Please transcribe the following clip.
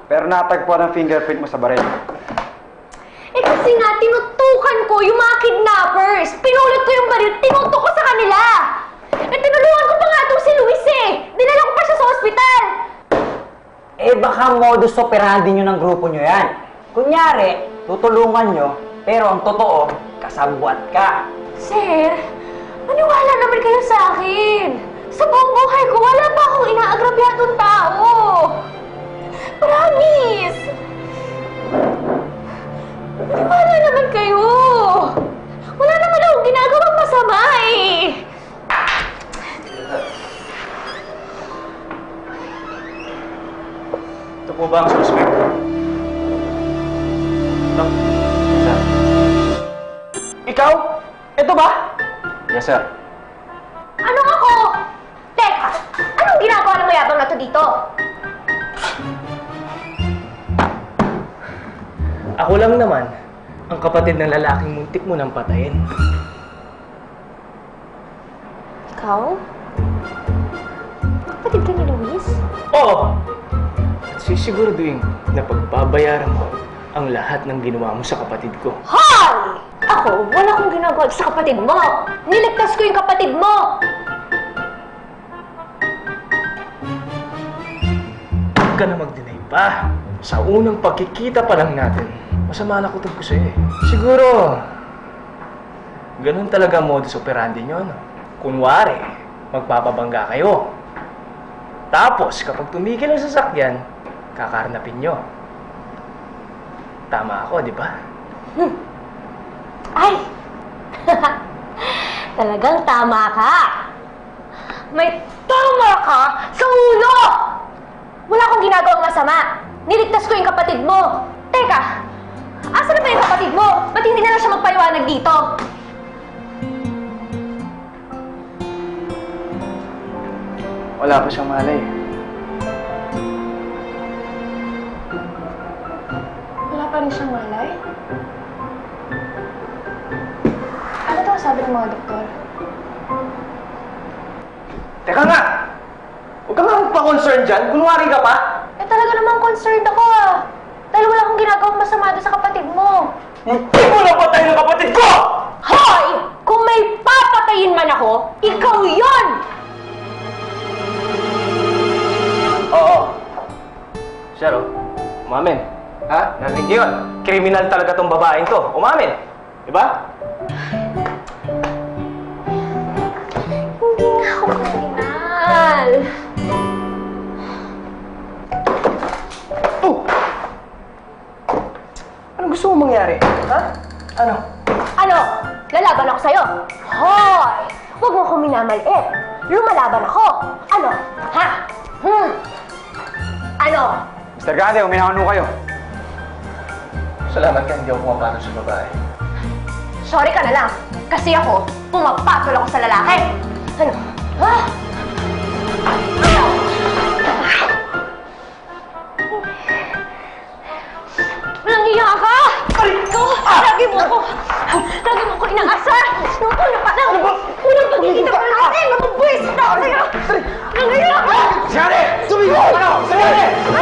Pero natagpuan ang fingerprint mo sa baril. Eh kasi nga, tinutukan ko yung mga kidnappers. Pinulot ko yung baril, tinutok ko sa kanila. Eh tinulungan ko pa nga itong si Luis eh. Dinala ko pa siya sa ospital. Eh baka modus operandi nyo ng grupo nyo yan. Kunyari, tutulungan nyo, pero ang totoo, kasabwat ka. Sir, maniwala naman kayo sa akin. Sa buong buhay ko, wala pa akong inaagrabyadong tao. Promise! Maniwala naman kayo. Wala naman akong ginagawang masama eh. Ito po ba ang suspect? No? Sir. Ikaw? Ito ba? Yes, sir. Anong ako? Teka, anong ginagawa ng mayabang na to dito? Ako lang naman, ang kapatid ng lalaking muntik mo nang patayin. Ikaw? Kapatid ka ni Luis? Oo! At sisiguraduhin na pagbabayaran mo ang lahat ng ginawa mo sa kapatid ko. Hoy! Ako, wala akong ginagawa sa kapatid mo. Niligtas ko yung kapatid mo. Huwag ka na mag-deny pa. Sa unang pagkikita pa lang natin, masama na kutob ko sa'yo eh. Siguro, ganun talaga ang modus operandi nyo, no? Kunwari, magpapabangga kayo. Tapos, kapag tumigil ang sasakyan, kakarnapin nyo. Tama ako, di ba? Ay! Talagang tama ka. May tama ka sa ulo! Wala akong ginagawang masama. Niligtas ko yung kapatid mo. Teka, asa na ba yung kapatid mo? Ba't hindi na lang siya magpaliwanag dito? Wala pa siyang malay. Wala pa rin siyang malay? Ano daw sabi ng mga doktor? Teka nga! Huwag ka nga magpa-concern dyan. Kunwari ka pa. Eh talaga namang concerned ako ah. Dahil wala akong ginagawang masama doon sa kapatid mo. Hindi mo na patay ng kapatid ko! Hoy! Kung may papatayin man ako, ikaw yon! Oo. Sir, oh. Umamin. Ha? Narinig yun. Kriminal talaga tong babaeng to. Umamin. Diba? Hindi nga ako kriminal. Oh! Anong gusto mong mangyari? Ha? Ano? Ano? Lalaban ako sa'yo? Hoy! Huwag mo akong minamaliit. Lumalaban ako. Ano? Ha? Ano? Mr. Grande, uminawan mo kayo. Salamat ka, hindi ako pumapatol sa babae. Sorry ka na lang. Kasi ako, pumapatol ako sa lalaki. Ano? Ha? Ano? Nangiya ka! Ikaw! Lagi mo ko inaasar! Nung una pa lang! Unang pagkikita pa natin! Mabubwis na ako sa'yo! Nangiya ka! Grande! Sumigaw! Ano? Grande!